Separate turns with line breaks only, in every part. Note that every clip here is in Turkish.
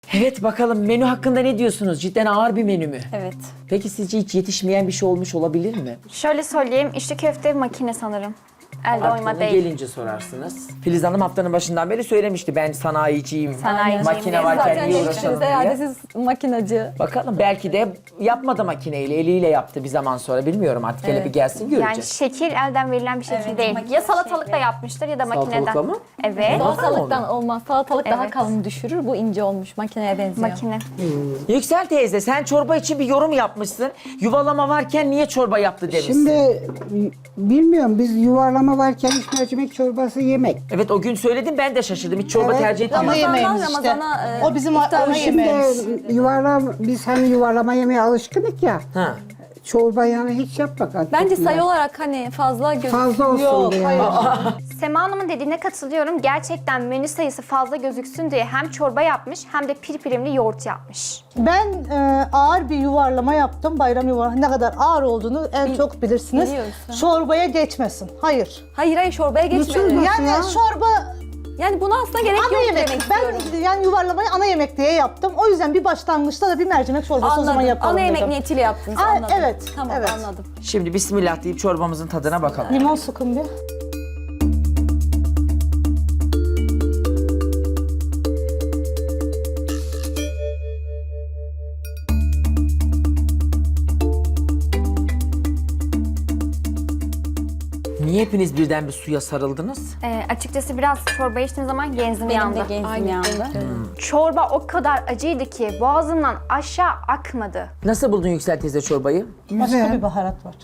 Evet bakalım menü hakkında ne diyorsunuz? Cidden ağır bir menü mü?
Evet.
Peki sizce hiç yetişmeyen bir şey olmuş olabilir mi?
Şöyle söyleyeyim, içli köfte makine sanırım. Elde
Artık
oyma
onu
değil.
gelince sorarsınız. Filiz Hanım haftanın başından beri söylemişti. Ben sanayiciyim.
Sanayiciyim
Makine
diye.
varken
Zaten
niye uğraşalım
eşiniz herhalde
diye.
siz makinacı.
Bakalım belki de yapmadı makineyle, eliyle yaptı bir zaman sonra. Bilmiyorum artık hele bir gelsin
Yani
göreceğiz.
şekil elden verilen bir şekil
Evet,
değil.
makine
Ya salatalıkla yapmıştır ya da makineden.
Salatalıkla mı?
Evet.
Salatalıktan olmaz. Salatalık daha
Evet.
kalın düşürür. Bu ince olmuş. Makineye benziyor.
Makine.
Yüksel teyze sen çorba için bir yorum yapmışsın. Yuvalama varken niye çorba yaptı demişsin.
Şimdi bilmiyorum biz yuvarlama varken hiç mercimek çorbası yemek.
Evet o gün söyledim ben de şaşırdım. Hiç çorba
Evet.
tercih etmiyorum.
Ramazan'dan Ramazan'a
O bizim ana
Şimdi
yemeğimiz.
biz hani yuvarlama yemeye alışkındık ya.
Ha.
Çorba yani hiç yapmak artık.
bence sayı olarak hani fazla
Fazla olsun
Yok,
diye.
hayır.
Sema Hanım'ın dediğine katılıyorum. Gerçekten menü sayısı fazla gözüksün diye hem çorba yapmış hem de pirpirimli yoğurt yapmış.
Ben ağır bir yuvarlama yaptım. Bayram yuvarlama. Ne kadar ağır olduğunu en çok bilirsiniz.
biliyorsun.
Çorbaya geçmesin. Hayır.
Hayır çorbaya geçmedi.
Nasıl?
Yani
ya?
çorba
Yani buna aslında gerek
ana
yok
yemek.
demek istiyorum.
Ben yani yuvarlamayı ana yemek diye yaptım. O yüzden bir başlangıçta da bir mercimek çorbası o zaman
Anladım.
yapalım
Ana yemek
dedim.
niyetiyle yaptınız
Aa,
anladım.
evet,
Tamam
evet.
anladım.
Şimdi bismillah deyip çorbamızın tadına bakalım.
Limon sıkın bir.
Niye hepiniz birden bir suya sarıldınız?
Açıkçası biraz çorba içtiğim zaman genzim
Benim
yandı.
de genzim yandı.
Çorba o kadar acıydı ki boğazımdan aşağı akmadı.
Nasıl buldun Yüksel teyze çorbayı?
Başka
Güzel.
bir baharat var.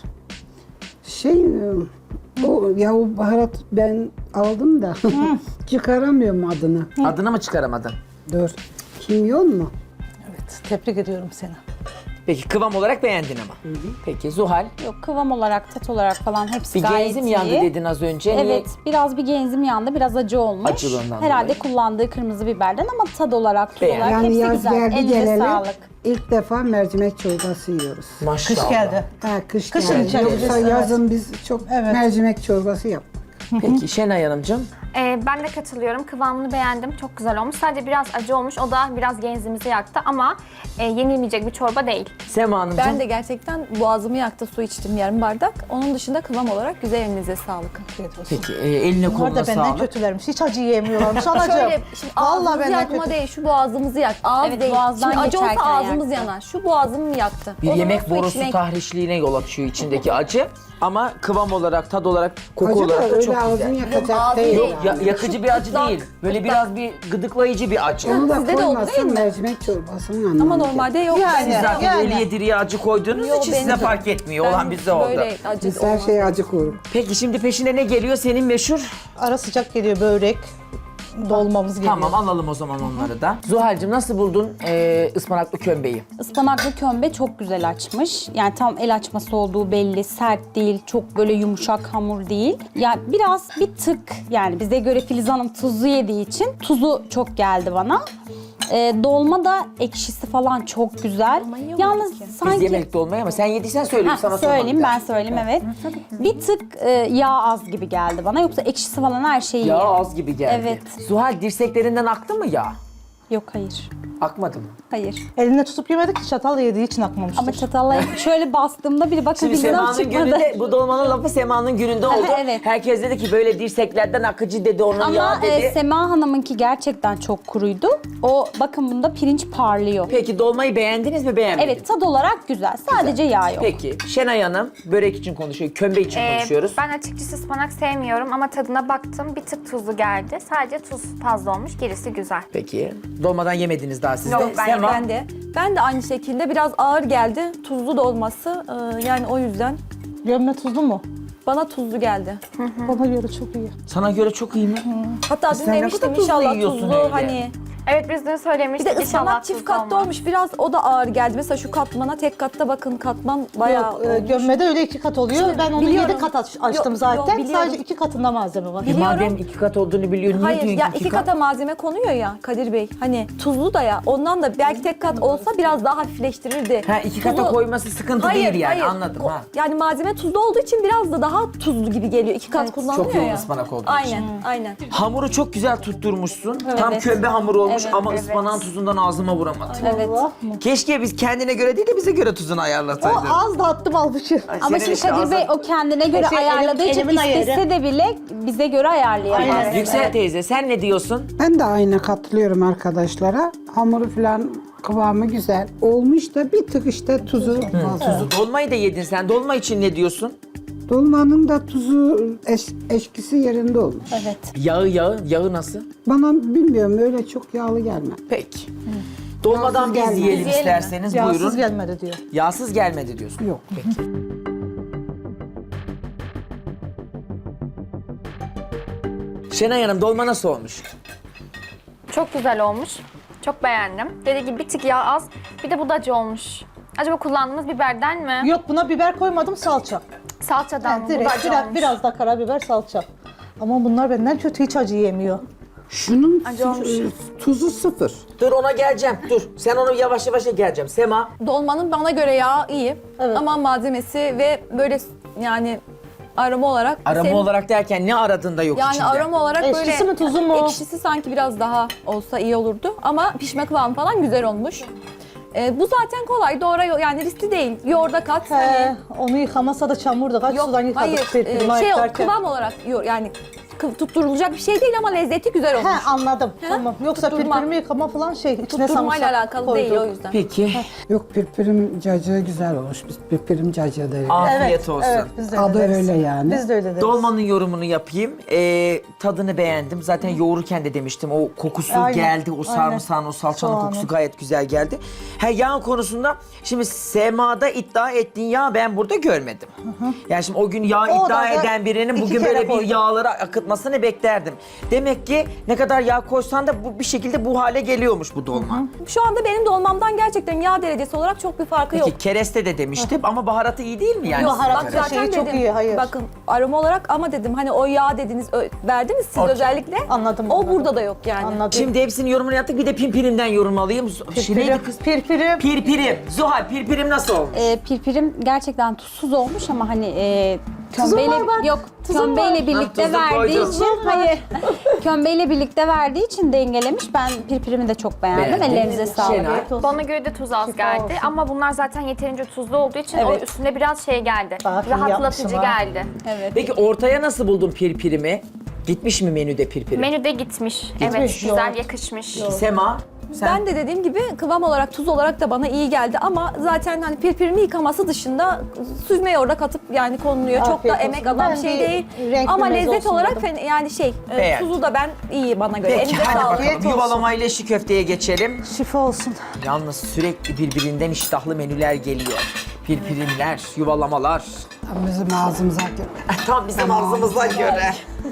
O baharat ben aldım da çıkaramıyorum adını.
Adını mı çıkaramadın?
Dur. Kimyon mu?
Evet, tebrik ediyorum seni.
Peki kıvam olarak beğendin ama. Peki Zuhal
Yok kıvam olarak, tat olarak falan hepsi
bir
gayet
genzim
iyi.
yandı dedin az önce. Niye?
Evet, biraz bir genzim yandı, biraz acı olmuş.
Acılığından
Herhalde
dolayı.
kullandığı kırmızı biberden ama tad olarak, tuz
Beğendim.
olarak
Yani
hepsi
yaz
güzel.
geldi
Elinize
geleli
sağlık.
ilk defa mercimek çorbası yiyoruz.
Maşallah.
Kış geldi.
Ha, kış
Kışın
geldi.
içeriz,
Yoksa
evet.
yazın biz çok
Evet.
mercimek çorbası yaptık.
Peki Şenay Hanımcığım.
Ben de katılıyorum. Kıvamını beğendim. Çok güzel olmuş. Sadece biraz acı olmuş. O da biraz genzimizi yaktı ama yenilmeyecek bir çorba değil.
Sema Hanımcığım.
Ben de gerçekten boğazımı yaktı, su içtim yarım bardak. Onun dışında kıvam olarak güzel, elinize sağlık.
Peki eline
Bunlar
koluna
da benden
sağlık.
kötülermiş. Hiç acı yiyemiyorlarmış anacığım.
Şöyle şimdi
Vallahi
ağzımızı
benden
yakma
kötü.
değil, şu boğazımızı yak. Ağız
Evet,
değil.
boğazdan
Şimdi acı olsa
geçerken
ağzımız
yaktı.
yanar. Şu boğazımı yaktı.
Bir
O zaman
yemek
su
borusu
içmek-
tahrişliğine yol açıyor içindeki acı. Ama kıvam olarak, tad olarak, koku
Acı da
olarak da
öyle
çok
ağzını
güzel.
yakacak
ağzı
değil.
değil.
yani.
Yakıcı bir acı
Gıdak,
değil. Böyle
gıdak.
biraz bir gıdıklayıcı bir acı.
Onu da
Sizde de oldu değil
koymazsan
mi?
mercimek çorbasının anlamı.
Ama normalde yok.
Yani.
Siz zaten
Yani.
ölüye diriye acı koyduğunuz
Yok,
için
benim
size
de.
fark etmiyor. Olan
Ben
bizde oldu.
Böyle acı
Biz her
olmaz.
şeye acı koyuyoruz.
Peki şimdi peşine ne geliyor? Senin meşhur.
Ara sıcak geliyor börek. Dolmamız geliyor.
Tamam alalım o zaman onları da. Zuhal'cığım nasıl buldun ıspanaklı kömbeyi?
Ispanaklı kömbe çok güzel açmış. Yani tam el açması olduğu belli, sert değil, çok böyle yumuşak hamur değil. Yani biraz bir tık, yani bize göre Filiz Hanım tuzlu yediği için tuzu çok geldi bana. Dolma da ekşisi falan çok güzel. Yalnız
Biz
sanki...
yemedik dolmayı ama sen yediysen söyleyeyim
Heh,
sana
söyleyeyim,
sormadım.
ben söyleyeyim evet. Bir tık yağ az gibi geldi bana. Yoksa ekşisi falan her şey iyi.
Yağ az gibi geldi.
Evet.
Zuhal dirseklerinden aktı mı yağ?
Yok hayır.
Akmadı mı?
Hayır.
Eline tutup yemedik ki çatal yediği için akmamıştır.
Ama çatalla şöyle bastığımda bir bakın
Şimdi
Filiz Hanım
Sema'nın
çıkmadı.
gününde, bu dolmanın lafı Sema'nın gününde oldu.
Evet.
Herkes dedi ki böyle dirseklerden akıcı dedi, onun
Ama
yağ dedi.
Sema Hanım'ınki gerçekten çok kuruydu. O bakın bunda pirinç parlıyor.
Peki dolmayı beğendiniz mi beğenmediniz?
Evet, tad olarak güzel. Sadece yağ yok.
Peki Şenay Hanım börek için konuşuyor, kömbe için konuşuyoruz.
Ben açıkçası ıspanak sevmiyorum ama tadına baktım. Bir tık tuzlu geldi. Sadece tuz fazla olmuş. Gerisi güzel.
Peki dolmadan yemediniz daha siz de.
Yok, ben
Sema,
Ben de aynı şekilde biraz ağır geldi. Tuzlu da olması. Yani o yüzden
Gömme tuzlu mu?
bana tuzlu geldi.
Bana göre çok iyi.
sana göre çok iyi mi?
Hatta
Sen
dün
ne
demiştim
kadar tuzlu
inşallah
yiyorsun
tuzlu
öyle?
hani.
Evet biz dün
Bir
söylemiştik.
de
İnşallah
ıspanak çift
tuzlu
katlı
olmaz.
olmuş. Biraz o da ağır geldi. Mesela şu katmana tek katta bakın katman bayağı
Yok,
olmuş.
gömmede öyle 2 kat oluyor.
Şimdi
Ben onu
biliyorum.
7 kat açtım
Yok, yok,
zaten.
biliyorum.
Sadece 2 katında malzeme var.
Biliyorum.
Madem iki kat olduğunu biliyor, niye
Hayır
diyorsun
ya
iki
iki
kat?
kata malzeme konuyor ya Kadir Bey. Hani tuzlu da ya ondan da belki tek kat olsa biraz daha hafifleştirirdi.
Ha iki kata
Tuzlu-
koyması sıkıntı değil yani
hayır.
anladım ha.
Yani malzeme tuzlu olduğu için biraz da daha tuzlu gibi geliyor. İki kat kullanılıyor
çok yoğun
ya.
ıspanak olduğu için.
Aynen, aynen.
Hamuru çok güzel tutturmuşsun. Tam kömbe hamuru olmuş. olmuş ama ıspanağın tuzundan ağzıma vuramadım.
Evet.
Keşke biz kendine göre değil de bize göre tuzunu
O
ayarlasaydın.
az da attım almışım.
Ama
Senin
şimdi
işte
Kadir
ağzın-
Bey o kendine göre ayarladığı için
elimin ayarı.
istese de bile bize göre ayarlayamaz.
Yüksel teyze sen ne diyorsun?
Ben de aynı katılıyorum arkadaşlara. Hamuru falan kıvamı güzel. Olmuş da bir tık işte tuzu fazla.
Dolmayı da yedin sen. Dolma için ne diyorsun?
Dolmanın da tuzu eşkisi yerinde olmuş.
Evet.
Yağı nasıl?
Bana bilmiyorum öyle çok yağlı gelmedi.
Peki. Dolmadan
Yağsız
biz
gelmedi.
yiyelim
Biz yiyelim mi?
isterseniz
Yağsız
buyurun.
gelmedi diyor.
Yağsız gelmedi diyorsun.
Yok.
Peki. Şenay Hanım dolma nasıl olmuş?
Çok güzel olmuş. Çok beğendim. Dediği gibi bir tık yağ az. Bir de bu da acı olmuş. Acaba kullandığınız biberden mi?
Yok buna biber koymadım salça.
Salçadan mı? Bu da
Direkt
acı
biraz,
olmuş.
biraz da karabiber salça. Ama bunlar benden kötü hiç acı yemiyor.
Şunun
Acı olmuş.
tuzu sıfır.
Dur ona geleceğim. Dur. Sen onu yavaş yavaş geleceğim. Sema.
Dolmanın bana göre yağı iyi. Ama malzemesi ve böyle yani aroma olarak
Arama olarak derken ne aradığında yok
yani
içinde.
aroma olarak
Ekşisi
böyle
mi, tuzu mu?
ekşisi sanki biraz daha olsa iyi olurdu ama pişme kıvamı falan güzel olmuş. Bu zaten kolay, doğru yani riskli değil. Yoğurda kat.
He, onu yıkamasa da çamurdu. Kaç
Yok
sudan yıkadık
hayır
pirpirimi
şey
ayıklarken.
kıvam olarak yani tutturulacak bir şey değil ama lezzeti güzel olmuş.
He anladım. Tamam. Yoksa
Tutturma.
pirpirimi yıkama falan şey içine
Tutturmayla
sarımsak
alakalı
koyduk.
değil o yüzden.
Peki.
Yok pirpirim cacığı güzel olmuş. Biz pirpirim cacığı deriz.
Afiyet olsun.
Evet, biz de
Adı
öyle deriz.
öyle yani.
Biz de öyle deriz.
Dolmanın yorumunu yapayım. Tadını beğendim. Zaten yoğururken de demiştim. O kokusu
Aynen,
geldi. O
aynen.
sarımsağın, o salçanın
Soğanı.
kokusu gayet güzel geldi. Yağ konusunda şimdi Sema'da iddia ettiğin yağ ben burada görmedim. Yani şimdi o gün yağ
O
iddia
da
eden birinin
iki
bugün
kere
böyle bir
koydum.
yağları akıtmasını beklerdim. Demek ki ne kadar yağ koysan da bu bir şekilde bu hale geliyormuş bu dolma.
Şu anda benim dolmamdan gerçekten yağ derecesi olarak çok bir farkı yok.
Peki kereste de demiştim ama baharatı iyi değil mi yani?
Yok,
baharat
bak
da
zaten
şeyi çok
dedim.
iyi, hayır.
Bakın aroma olarak ama dedim hani o yağ dediniz verdiniz siz
Okey.
özellikle.
Anladım,
O
anladım.
burada da yok yani.
Anladım.
Şimdi hepsinin yorumunu yaptık. Bir de pimpirimden yorum alayım. Neydi kız?
Pirpirim.
Pirpirim. Zuhal pirpirim nasıl olmuş?
Pirpirim gerçekten tuzsuz olmuş ama hani
Tuzum var bak.
yok
Tuzum
kömbeyle
var.
birlikte
Ha, tuzu
verdiği
koydum.
için hayır kömbeyle birlikte verdiği için dengelemiş. Ben pirpirimi de çok beğendim.
Beğendin.
Ellerinize sağlık.
Şenay.
Bana göre de tuz az geldi
olsun.
ama bunlar zaten yeterince tuzlu olduğu için
Evet.
o üstüne biraz şey geldi.
Bak, iyi
Rahatlatıcı
yapmışım ha.
geldi.
Evet.
Peki ortaya nasıl buldun pirpirimi? Gitmiş mi menüde pirpirim?
Menüde gitmiş. Evet, güzel
yoğurt.
yakışmış.
Sema, sen
Ben de dediğim gibi kıvam olarak tuz olarak da bana iyi geldi ama zaten hani pirpirimi yıkaması dışında süzme yoğurda katıp yani konuluyor. Çok da
Afiyet
emek
olsun.
alan
Ben
bir şey
bir
değil.
renkli
Ama
meze
lezzet
olsun
olarak
dedim.
yani
Beğendim.
tuzu da ben iyi bana göre.
Peki
Elinize
hadi
sağlık.
bakalım
Afiyet olsun.
yuvalama ile şi köfteye geçelim.
Şifa olsun.
Yalnız sürekli birbirinden iştahlı menüler geliyor. Pirpirimler, yuvalamalar.
Tam bizim ağzımıza göre.
Tam bizim ağzımıza göre.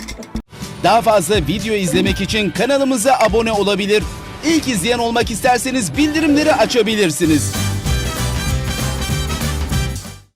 Daha fazla video izlemek için kanalımıza abone olabilir. İlk izleyen olmak isterseniz bildirimleri açabilirsiniz.